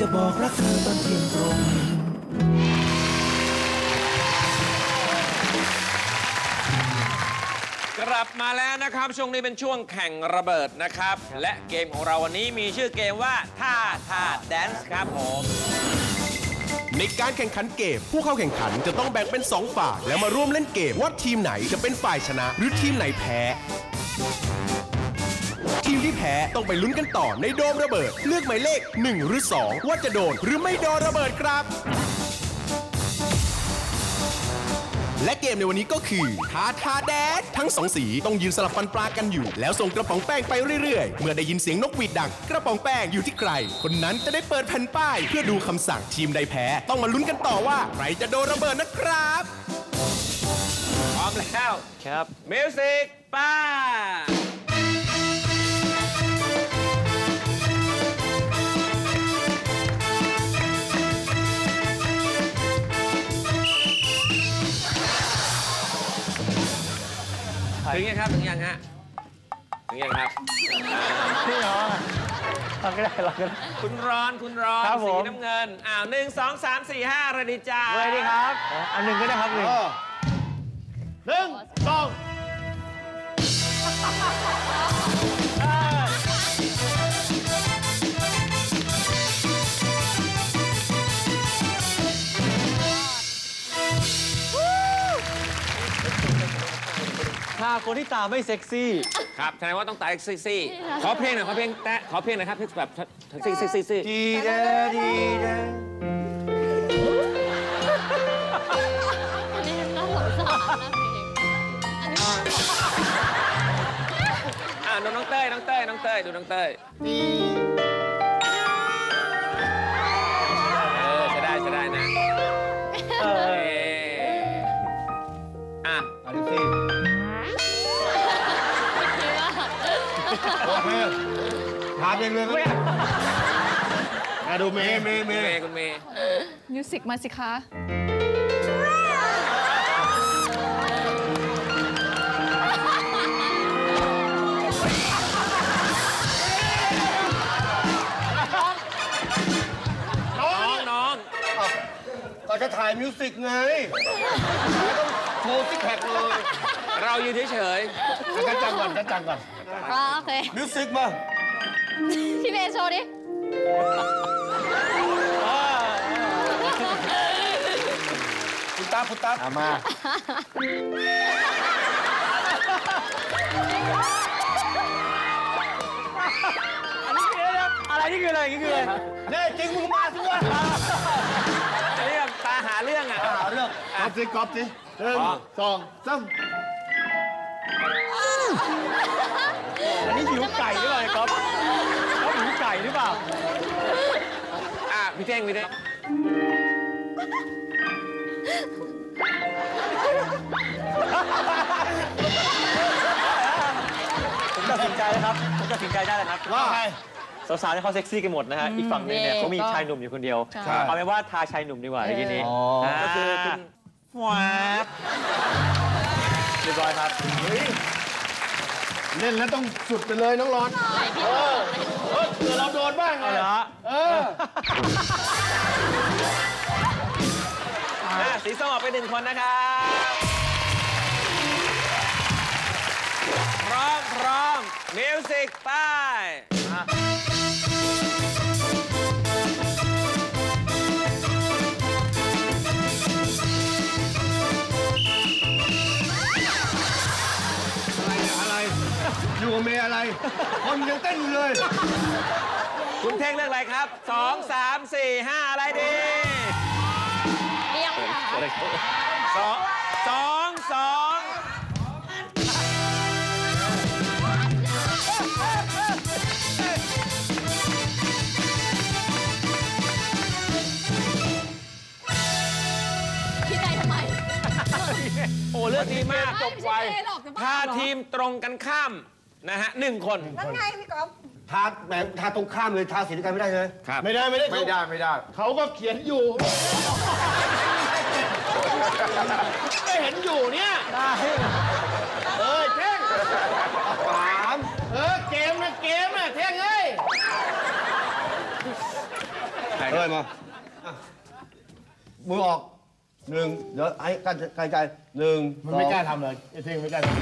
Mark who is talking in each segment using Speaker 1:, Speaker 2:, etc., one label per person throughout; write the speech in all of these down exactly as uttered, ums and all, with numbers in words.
Speaker 1: จะบอกรักเธอตอนเที่ยงตรง
Speaker 2: กลับมาแล้วนะครับช่วงนี้เป็นช่วงแข่งระเบิดนะครับและเกมของเราวันนี้มีชื่อเกมว่าท่าท่าแดนซ์ครับผม
Speaker 3: ในการแข่งขันเกมผู้เข้าแข่งขันจะต้องแบ่งเป็นสองฝ่ายแล้วมาร่วมเล่นเกมว่าทีมไหนจะเป็นฝ่ายชนะหรือทีมไหนแพ้ทีมที่แพ้ต้องไปลุ้นกันต่อในโดมระเบิดเลือกหมายเลขหนึ่งหรือสองว่าจะโดนหรือไม่โดนระเบิดครับและเกมในวันนี้ก็คือท้าทาแดดทั้งสองสีต้องยืนสลับฟันปลากันอยู่แล้วส่งกระป๋องแป้งไปเรื่อยๆเมื่อได้ยินเสียงนกหวีดดังกระป๋องแป้งอยู่ที่ใครคนนั้นจะได้เปิดแผ่นป้ายเพื่อดูคำสั่งทีมใดแพ้ต้องมาลุ้นกันต่อว่าใครจะโดนระเบิดนะครับ
Speaker 2: พร้อมแล้วครับมิวสิกป้าถึงยังครับถึงยังฮะถึงยังครับ
Speaker 4: พี่น้องเราก็ได้เราก็ได้
Speaker 2: คุณร้อนคุณร้อนสีน้ำเงินอ้าวหนึ่งสองสามสี่ห้าระดิจ้า
Speaker 4: เลยดีครับอันหนึ่งก็ได้ครับหนึ่งหนึ่งสองถ้าคนที่ตาไม่เซ็กซี่
Speaker 2: ครับแสดงว่าต้องตาเซ็กซี่ขอเพลงหน่อยขอเพลงแตะขอเพลงหน่อยครับแบบเซ็กซี่เซ็กซี่
Speaker 4: ดีเด้ดีเด้
Speaker 5: อันนี้น่าสงสารนะ
Speaker 2: อ่าดูน้องเต้ยน้องเต้ยน้องเต้ยดูน้องเต้ยเออใช้ได้ใช้ได้นะเอออ่ะ
Speaker 4: เอาดิสิโอเคถามเองเลยไหมมาดูเมย์เมย์เมย์
Speaker 2: คุณเมย์
Speaker 5: มิวสิกมาสิคะ
Speaker 2: น้องน้อง
Speaker 4: ก็จะถ่ายมิวสิกไงไม่ต้องโชว์ซิกแพคเลย
Speaker 2: เราอยู่เฉย
Speaker 4: ๆกันจังก่อนกันจังก่อน
Speaker 5: โอเค
Speaker 4: มิวสิกมา
Speaker 5: พี่เมย์โชว์ดิ
Speaker 4: คุณตาคุณตามาอะไรนี่คืออะไรนี่คืออะไรเนี่ยจริงมึงมาสิวะ
Speaker 2: เรื่องตาหาเรื่องอ่ะ
Speaker 4: หาเรื่องก๊อปสิก๊อปสิหนึ่งสองสามอันนี้หิวไก่หรือเปล่าก๊อฟเขาหิวไก่หรือเปล่า
Speaker 2: อ่ะพี่เท่งพี่เท่ง
Speaker 4: ผมตัดสินใจแล้วครับผมตัดสินใจได้แล้วครับว่าไงสาวๆที่เขาเซ็กซี่กันหมดนะฮะอีกฝั่งนึงเนี่ยเขามีชายหนุ่มอยู่คนเดียวเอาเป็นว่าทาชายหนุ่มดีกว่าทีนี้ก็คือคุณว้าเรียบร้อยครับเล่นแล้วต้องสุดไปเลยน้องร้อนเออเออเดี๋ยวเราโดนบ้างไงเหรอเออ
Speaker 2: สีส้มออกไปหนึ่งคนนะครับพร้อมพร้อมมิวสิกไป
Speaker 4: อยู่กับเมย์อะไรคนยังเต้นอยู่เลย
Speaker 2: คุณเท่งเลือกอะไรครับสองสามสี่ห้าอะไรดี
Speaker 5: เรียง
Speaker 2: สองสองสอง
Speaker 5: พี่ใจทำไม
Speaker 2: โอ้เลือกดีมากจบไวถ้าทีมตรงกันข้ามนะฮะหนึ่งคน
Speaker 6: นั่นไงพี่ก๊อฟ
Speaker 4: ทาแหมทาตรงข้ามเลยทาสีเดียวกันไม่ได้เลยไม่ได้ไม่ได้
Speaker 2: ไม่ได้ไม่ได้
Speaker 4: เขาก็เขียนอยู่ไม่เห็นอยู่เนี่ยเออเท่งสามเออเกมนะเกมนะเท่งเอ้ย
Speaker 2: ใครค
Speaker 6: เอ้
Speaker 2: รั
Speaker 6: ย
Speaker 2: บ
Speaker 6: มามือออกหนึ่งเดี๋ยวไอ้กันไกลใจหนึ่ง
Speaker 7: มันไม่กล้าทำเลยไอ้เท่งไม่กล้าทำ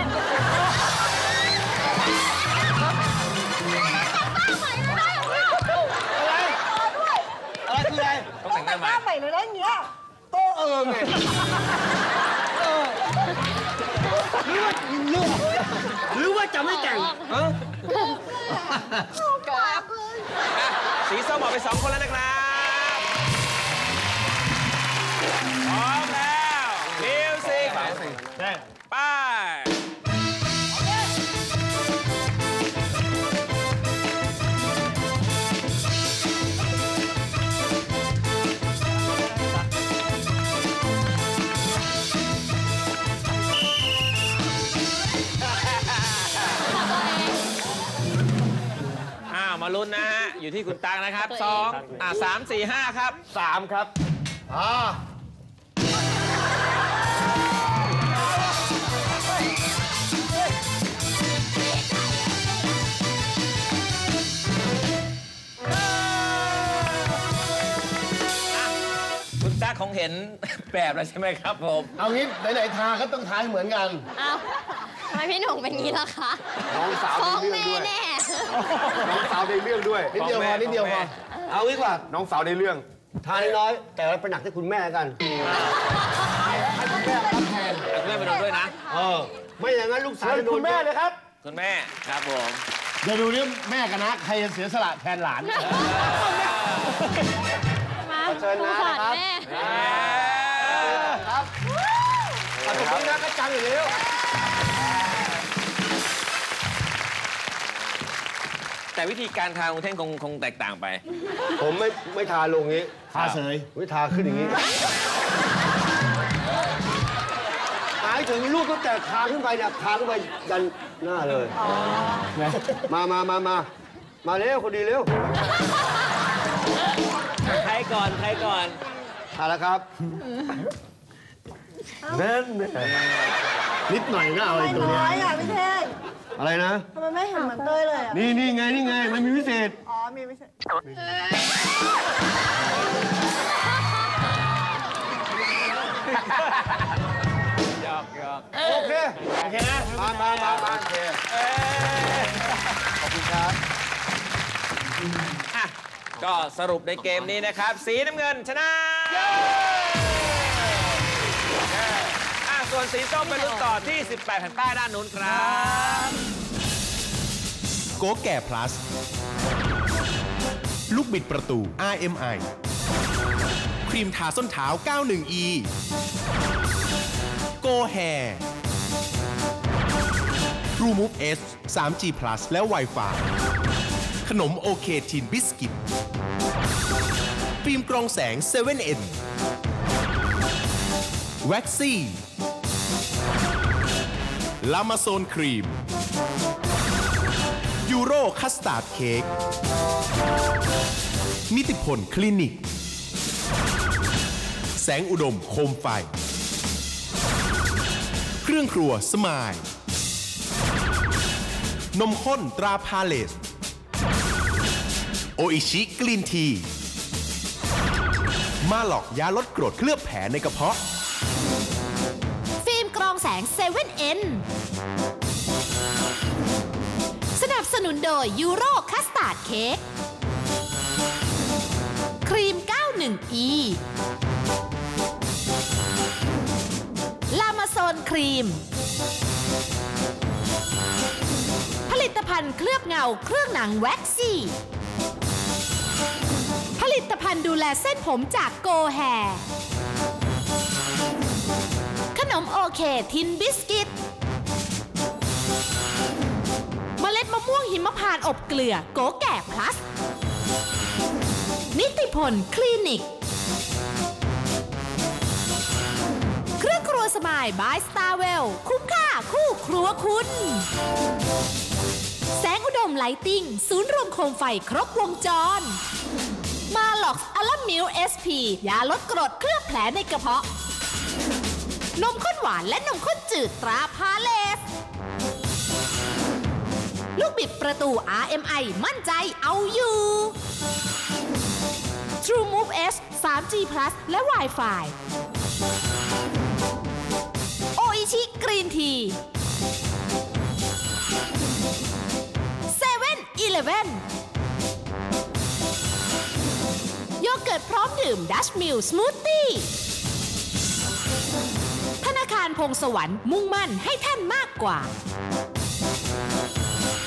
Speaker 6: อะไรคืออะไร
Speaker 2: ต้องแต่งหน้าใหม่
Speaker 8: ใหม่เลยนะอย่างเงี้ย
Speaker 6: โต้เอิงไงเออหรือว่าหรือหรือว่าจะไม่แต่ง
Speaker 2: อ่ะสีส้มออกไปสองคนแล้วนะครับพร้อมแล้วมิวสิกไปมาลุ้นนะฮะ อยู่ที่คุณตังนะครับสองอ่าสามสี่ห้าครับสามครับอ่าคุณตั๊กคงเห็นแบบแล้วใช่ไหมครับผม
Speaker 7: เอางี้ไหนๆทาก็ต้องทาให้เหมือนกัน
Speaker 5: อ้าวทำไมพี่หนุ่มเป็นงี้ล่ะคะ
Speaker 6: น้องสาว
Speaker 5: ฟ้อง
Speaker 6: ในเรื่องด้วย
Speaker 5: แม่แน่
Speaker 6: น้องสาวในเรื่องด้วย
Speaker 7: นิดเดียวพอนิดเดียวพอ
Speaker 6: เอางี้กว่าน้องสาวในเรื่องทานน้อยๆแต่ไปหนักที่คุณแม่กันให้คุณแม่รับแทน
Speaker 2: คุณแม่ไปโดนด้วยนะ
Speaker 6: เออไม่อย่างนั้นลูกสาวจะโดน
Speaker 7: คุณแม่เลยครับ
Speaker 2: คุณแม่ครับผม
Speaker 7: เดี๋ยวดูนี่แม่กันนะใครจะเสียสละแทนหลาน
Speaker 5: มา
Speaker 6: เชิญนะ
Speaker 5: สงสาร
Speaker 6: ครับ
Speaker 5: แม่
Speaker 6: ครับขอบคุณนะกระจังอยู่แล้ว
Speaker 2: แต่วิธีการทาของเท่งคงคงแตกต่างไป
Speaker 6: ผมไม่ไม่ทาลงงี้
Speaker 7: ทาเสย
Speaker 6: ไม่ทาขึ้นอย่างนี้หมายถึงลูกตั้งแต่ทาขึ้นไปเนี่ยทาขึ้นไปยันหน้าเลยมามามามามาเร็วคนดีเร็ว
Speaker 2: ใครก่อน ใครก่อน
Speaker 6: ทาแล้วครับเน้น
Speaker 7: นิดหน่อยนะเอาไอ้ตัวเนี้ย
Speaker 8: น้อยอ่ะพี่เท่ง
Speaker 6: อะไรนะ
Speaker 8: ทำไมไม่เห็นเหมือนเต้ยเลยอ่ะ
Speaker 6: นี่นี่ไงนี่ไงมันมีพิเศษ
Speaker 8: อ๋อ มีไม่ใช่
Speaker 2: ยอกยอก
Speaker 6: โอเค
Speaker 7: โอเคนะ
Speaker 6: มามามามาโอเคขอบคุณครับ
Speaker 2: อ่ะก็สรุปในเกมนี้นะครับ สีน้ำเงินชนะอ่ะส่วนสีส้มไปลุ้นต่อที่ สิบแปด แผ่นป้ายด้านนู้นครับ
Speaker 3: โกแก่ plus ลูกบิดประตู อาร์ เอ็ม ไอ ครีมทาส้นเท้า เก้าสิบเอ็ด อี โกแฮ True Move S ทรี จี plus และ Wi-Fi ขนมโอเคทินบิสกิตฟิล์มกรองแสง เซเว่น เอ็น แว็กซี่ ลามาโซนครีม ยูโรคัสตาร์ดเค้ก นิติพลคลินิก แสงอุดมโคมไฟ เครื่องครัวสมาย นมข้นตราพาเลส โออิชิกรีนที มาหลอกยาลดกรดเคลือบแผลในกระเพาะ
Speaker 9: ฟิล์มกรองแสง เซเว่น เอ็น สนับสนุนโดยยูโรคัสตาร์ดเค้ก ครีม เก้าสิบเอ็ด อี ลามาโซนครีม ผลิตภัณฑ์เคลือบเงาเครื่องหนังแว็กซี่ ผลิตภัณฑ์ดูแลเส้นผมจากโกแฮ ขนมโอเคทินบิสกิต เมล็ดมะม่วงหิมพานต์อบเกลือโกแก่พลัส นิติพลคลินิก เครื่องครัวสมายบายสตาร์เวลคุ้มค่าคู่ครัวคุณ แสงอุดมไลติ้งศูนย์รวมโคมไฟครบวงจร มาหลอกอัลมิวเอสพียาลดกรดเคลือบแผลในกระเพาะ นมข้นหวานและนมข้นจืดตราพาเลส ลูกบิดประตู อาร์ เอ็ม ไอ มั่นใจเอาอยู่ True S ทรี จี Plus และ Wi-Fi โออิชิกรีนทีเซเว่นอีเลฟเว่นโยเกิร์ตพร้อมดื่มดัชมิลสมูทตี้ธนาคารพงสวรรค์มุ่งมั่นให้ท่านมากกว่า